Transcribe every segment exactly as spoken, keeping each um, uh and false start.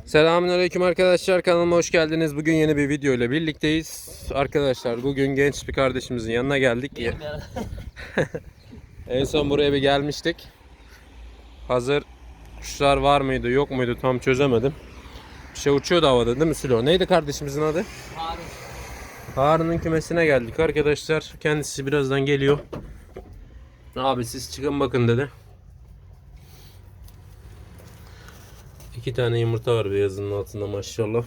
Selamünaleyküm arkadaşlar, kanalıma hoş geldiniz. Bugün yeni bir video ile birlikteyiz. Arkadaşlar bugün genç bir kardeşimizin yanına geldik. En son buraya bir gelmiştik. Hazır kuşlar var mıydı yok muydu tam çözemedim. Bir şey uçuyordu havada değil mi Sülo? Neydi kardeşimizin adı? Harun. Harun'un kümesine geldik arkadaşlar. Kendisi birazdan geliyor. Abi siz çıkın bakın dedi. İki tane yumurta var beyazının altında maşallah.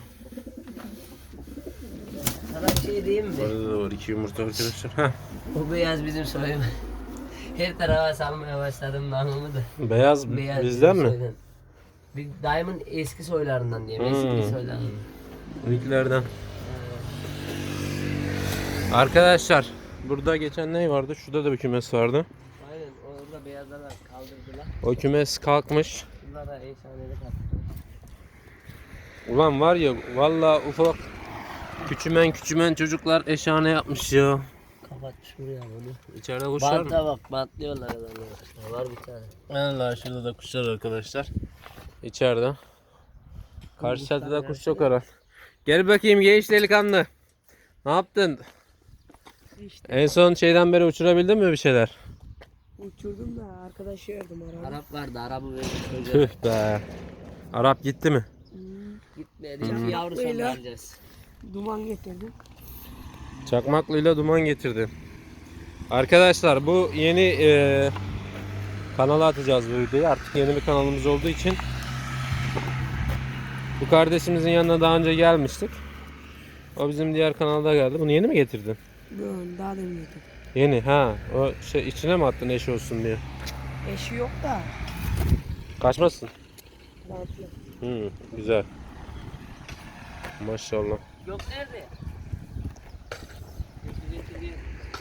Sana bir şey diyeyim mi? Orada da var iki yumurta arkadaşlar. Heh. O beyaz bizim soyum. Her tarafa salmaya başladım namımı da. Beyaz, Beyaz bizden bizim mi? soydan. Bir daimin eski soylarından diyeyim. Hmm. Eski soylarından. İlklerden. Arkadaşlar burada geçen ne vardı? Şurada da bir kümes vardı. Aynen orada beyazlar var, kaldırdılar. O kümes kalkmış. Bunlara efsanelik attılar. Ulan var ya valla ufak küçümen küçümen çocuklar eşhane yapmış ya. Kapatmış buraya bunu. İçeride kuşlar mı? Banta bak, bantlıyorlar adamlar. Var bir tane. Allah şurada da kuşlar arkadaşlar. İçeride. Karşı çatıda kuş çok arar. Gel bakayım genç delikanlı. Ne yaptın? İşte En son şeyden beri uçurabildin mi bir şeyler? uçurdum da arkadaşı yardım araba. Arap vardı, Arap'ı vermiş çocuğa. Tüh be. Arap gitti mi? Gitmedi. Bir yavru son Beyler. vereceğiz. Duman getirdim. Çakmaklıyla duman getirdi. Arkadaşlar bu yeni e, kanala atacağız bu videoyu. Artık yeni bir kanalımız olduğu için bu kardeşimizin yanına daha önce gelmiştik. O bizim diğer kanalda geldi. Bunu yeni mi getirdin? Böyle daha demin getirdim. Yeni ha. O şey içine mi attın eş olsun diye? Eşi yok da. Kaçmasın. Bantlı. Hı, güzel. Maşallah. Yok nerede? Getir, getir.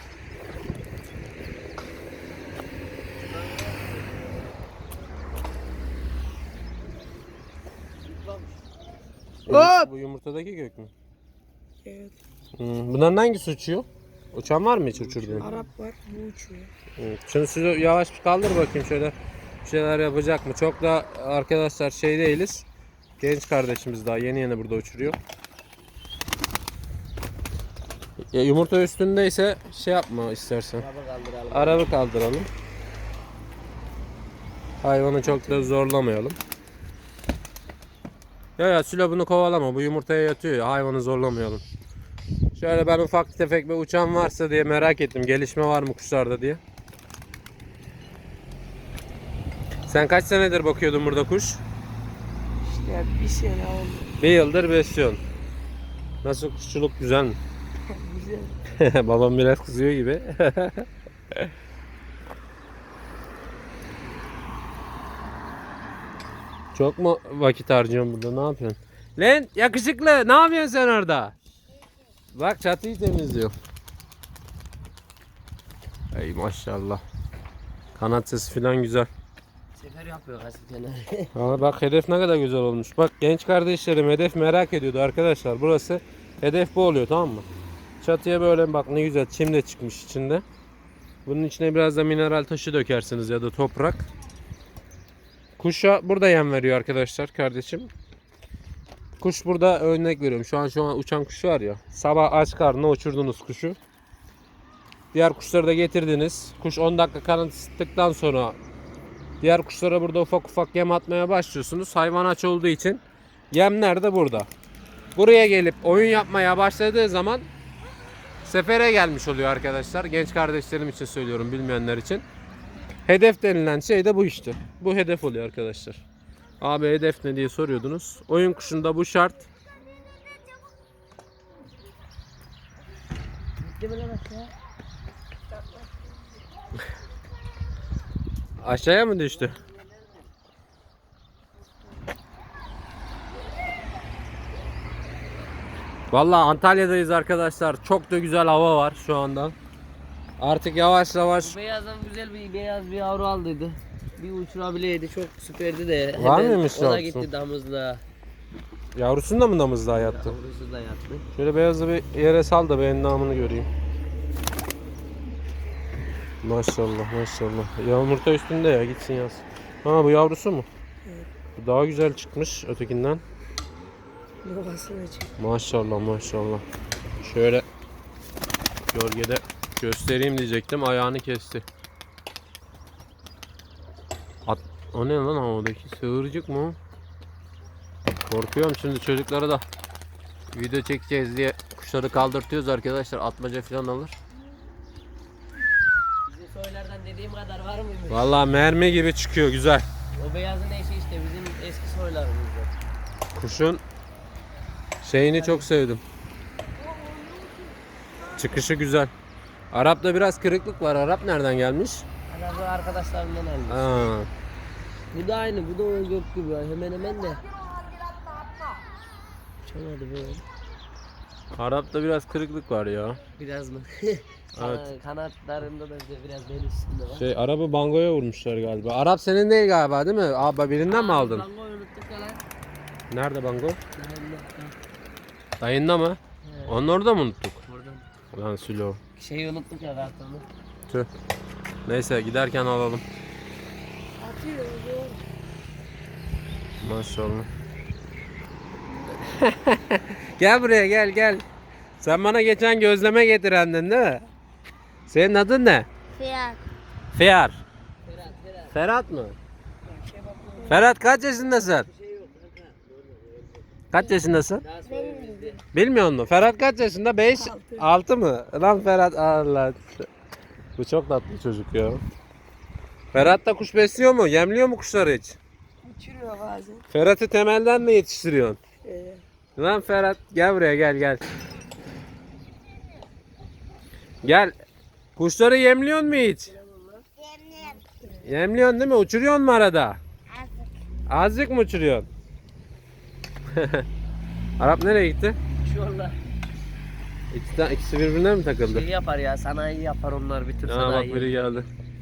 Hop! Bu yumurtadaki gök mü? Evet. Hı, bunların hangisi uçuyor? Uçan var mı hiç uçurduğun? Arap var. Bu uçuyor. Evet. Şunu size yavaş bir kaldır bakayım şöyle bir şeyler yapacak mı? Çok da arkadaşlar şey değiliz. Genç kardeşimiz daha yeni yeni burada uçuruyor. Ya yumurta üstündeyse şey yapma istersen. Araba kaldıralım. Arabı kaldıralım. Hayvanı çok da zorlamayalım. Ya ya Sülo bunu kovalama. Bu yumurtaya yatıyor ya. Hayvanı zorlamayalım. Şöyle ben ufak tefek bir uçan varsa diye merak ettim. Gelişme var mı kuşlarda diye. Sen kaç senedir bakıyordun burada kuş? İşte bir sene oldu. Bir yıldır besliyorsun. Nasıl kuşçuluk güzel mi? Güzel. Babam biraz kızıyor gibi. Çok mu vakit harcıyorsun burada? Ne yapıyorsun? Lan yakışıklı ne yapıyorsun sen orada? Bak çatıyı temizliyor. Ey maşallah. Kanat sesi falan güzel. Sefer yapıyor gazetene. Ama bak hedef ne kadar güzel olmuş. Bak genç kardeşlerim hedef merak ediyordu arkadaşlar. Burası hedef bu oluyor, tamam mı? Çatıya böyle bak ne güzel çim de çıkmış içinde. Bunun içine biraz da mineral taşı dökersiniz ya da toprak. Kuşa burada yem veriyor arkadaşlar kardeşim. Kuş burada örnek veriyorum. Şu an şu an uçan kuş var ya. Sabah aç karnına uçurdunuz kuşu. Diğer kuşları da getirdiniz. Kuş on dakika kanat ısıttıktan sonra diğer kuşlara burada ufak ufak yem atmaya başlıyorsunuz. Hayvan aç olduğu için yemler de burada. Buraya gelip oyun yapmaya başladığı zaman sefere gelmiş oluyor arkadaşlar. Genç kardeşlerim için söylüyorum, bilmeyenler için. Hedef denilen şey de bu işte. Bu hedef oluyor arkadaşlar. Abi hedef ne diye soruyordunuz. Oyun kuşunda bu şart. Gitti mi lan aşağı? Aşağıya mı düştü? Vallahi Antalya'dayız arkadaşlar. Çok da güzel hava var şu anda. Artık yavaş yavaş. Bu beyazdan güzel bir beyaz bir yavru aldıydı. Bir uçurabileydi, çok süperdi de. Var Hemen mıymış o da yavrusu? gitti damızlığa. Yavrusunu da mı damızlığa yattı? Yavrusu da yattı. Şöyle beyazı bir yere sal da ben namını göreyim. Maşallah maşallah. Ya yumurta üstünde ya, gitsin yaz. Ha bu yavrusu mu? Evet. Bu daha güzel çıkmış ötekinden. Yuvasına çık. Maşallah maşallah. Şöyle gölgede göstereyim diyecektim. Ayağını kesti. At, o ne lan havadaki sığırcık mı? Korkuyorum şimdi çocuklara da video çekeceğiz diye kuşları kaldırtıyoruz arkadaşlar. Atmaca falan alır. Bizim soylardan dediğim kadar var mıymış? Vallahi mermi gibi çıkıyor, güzel. O beyazın eşi işte bizim eski soylarımızda. Kuşun şeyini çok sevdim. Çıkışı güzel. Arap'ta biraz kırıklık var. Arap nereden gelmiş? Arabı arkadaşlarımdan almış. Aa, Bu da aynı, bu da o gök gibi ya. Hemen hemen de. Uçamadı böyle. Arap'ta biraz kırıklık var ya. Biraz mı? Evet. Kana- Kanatlarında da biraz bel üstünde var. Şey Arap'ı bangoya vurmuşlar galiba. Arap senin değil galiba değil mi? Abi birinden mi aldın? Bango unuttuk ya lan. Nerede bango? Dayımda. Dayında mı? He. Onu orada mı unuttuk? Buradan. Lan Sülo. Şeyi unuttuk ya kartonu. Tüh. Neyse giderken alalım. Atıyor. Doğru. Maşallah. Gel buraya gel gel. Sen bana geçen gözleme getirendin değil mi? Senin adın ne? Fiyat. Fiyar. Ferhat, Ferhat. Ferhat mı? Ferhat kaç yaşındasın? Kaç yaşındasın? Daha sonra bizde. Bilmiyor musun? Ferhat kaç yaşında? beş, altı mı? Lan Ferhat Allah. Bu çok tatlı çocuk ya. Ferhat da kuş besliyor mu? Yemliyor mu kuşları hiç? Uçuruyor bazen. Ferhat'ı temelden mi yetiştiriyorsun? Ee, Lan Ferhat gel buraya gel gel. Gel. Kuşları yemliyor mu hiç? Yemliyorsun değil mi? Uçuruyorsun mu arada? Azıcık. Azıcık mı uçuruyorsun? Arap nereye gitti? Şu anda İkisi, de- ikisi birbirine mi takıldı? şey yapar ya, sanayi yapar onlar, bir tür Aa bak sanayi. biri geldi.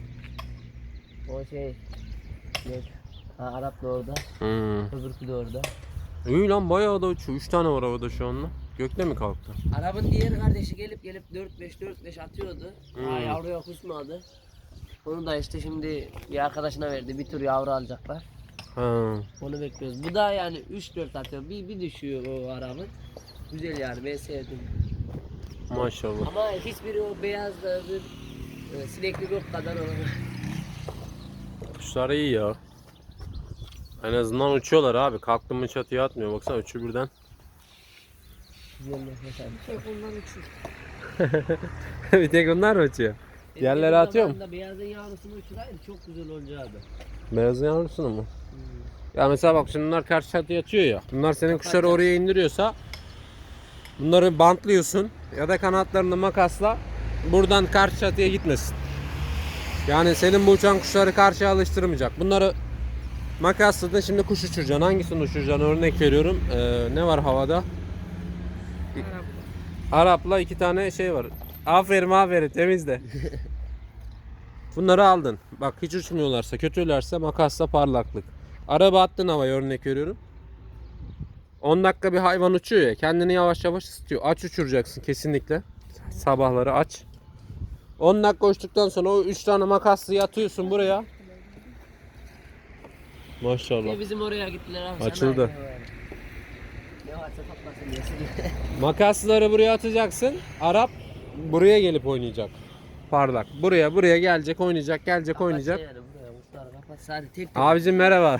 O şey. Ne? Ha, Arap da orada. Hmm. Öbürkü de orada. İyi lan bayağı da uçuyor. üç tane var havada şu anda. Gökte mi kalktı? Arap'ın diğer kardeşi gelip gelip dört beş dört beş atıyordu. Hmm. Ha, yavruya kusmadı. Onu da işte şimdi bir arkadaşına verdi. Bir tür yavru alacaklar. Ha. Onu bekliyoruz. Bu da yani üç dört atıyor. Bir, bir düşüyor o Arap'ın. Güzel yani, ben sevdim. Maşallah. Ama hiçbiri o beyaz da öbür e, sinekli yok kadar olur. Kuşlar iyi ya. En azından uçuyorlar abi. Kalktım mı çatıya atmıyor. Baksana üçü birden. Güzel nefes almış. tek ondan uçuyor. Bir tek onlar mı uçuyor? Diğerleri Benim atıyor mu? zamanında Beyazın yavrusunu uçuraydı çok güzel olacaktı. Beyazın yavrusunu mu? Ya mesela bak şimdi bunlar karşı çatıya atıyor ya. Bunlar senin kuşları Kapatacak. oraya indiriyorsa bunları bantlıyorsun ya da kanatlarını makasla buradan karşı çatıya gitmesin. Yani senin bu uçan kuşları karşıya alıştırmayacak. Bunları makasladın, şimdi kuş uçuracaksın. Hangisini uçuracaksın? Örnek veriyorum. Ee, ne var havada? Arap. Arap'la iki tane şey var. Aferin aferin temizle. Bunları aldın. Bak hiç uçmuyorlarsa, kötülerse makasla parlaklık. Araba attın havaya, örnek veriyorum. on dakika bir hayvan uçuyor ya, kendini yavaş yavaş ısıtıyor. Aç uçuracaksın kesinlikle. Sabahları aç. on dakika uçtuktan sonra o üç tane makaslı atıyorsun buraya. Maşallah. Ya bizim oraya gittiler abi. Açıldı. sanayi var. Ne varsa toplasın diye. Makasları buraya atacaksın. Arap buraya gelip oynayacak. Parlak. Buraya buraya gelecek, oynayacak, gelecek, oynayacak. Yani buraya uçlar kapat. Sadece tek tek. Abicim merhaba.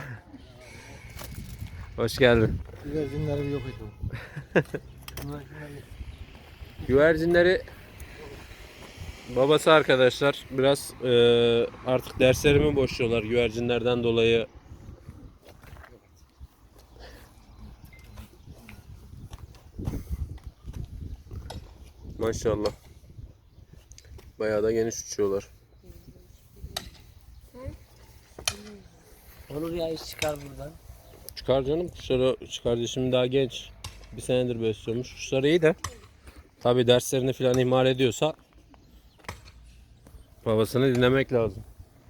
Hoş geldin. Güvercinlerim yok idi. Güvercinleri babası arkadaşlar biraz eee, artık derslerimi boşluyorlar güvercinlerden dolayı. Maşallah. Bayağı da geniş uçuyorlar. Olur ya, iş çıkar buradan. Çıkar canım, kuşları kardeşim daha genç. Bir senedir besliyormuş. Kuşlar iyi de tabi derslerini falan ihmal ediyorsa babasını dinlemek lazım.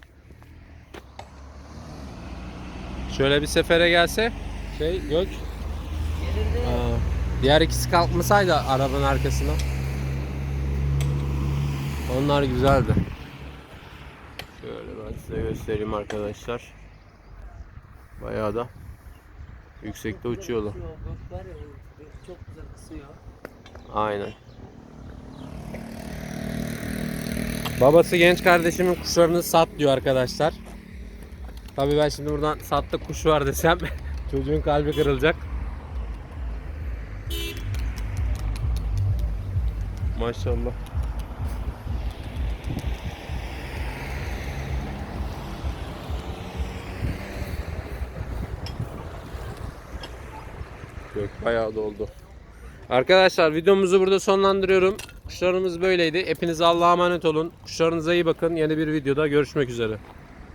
Şöyle bir sefere gelse şey gök. Gelirdi. Aa, diğer ikisi kalkmasaydı arabanın arkasına. Onlar güzeldi. Şöyle ben size göstereyim arkadaşlar. Bayağı da Yüksekte uçuyorlar. Uçuyor, gök var ya, gök çok güzel kısıyor. Aynen. Babası genç kardeşimin kuşlarını sat diyor arkadaşlar. Tabii ben şimdi buradan sattık kuş var desem çocuğun kalbi kırılacak. Maşallah. Gök bayağı doldu. Arkadaşlar videomuzu burada sonlandırıyorum. Kuşlarımız böyleydi. Hepinize Allah'a emanet olun. Kuşlarınıza iyi bakın. Yeni bir videoda görüşmek üzere.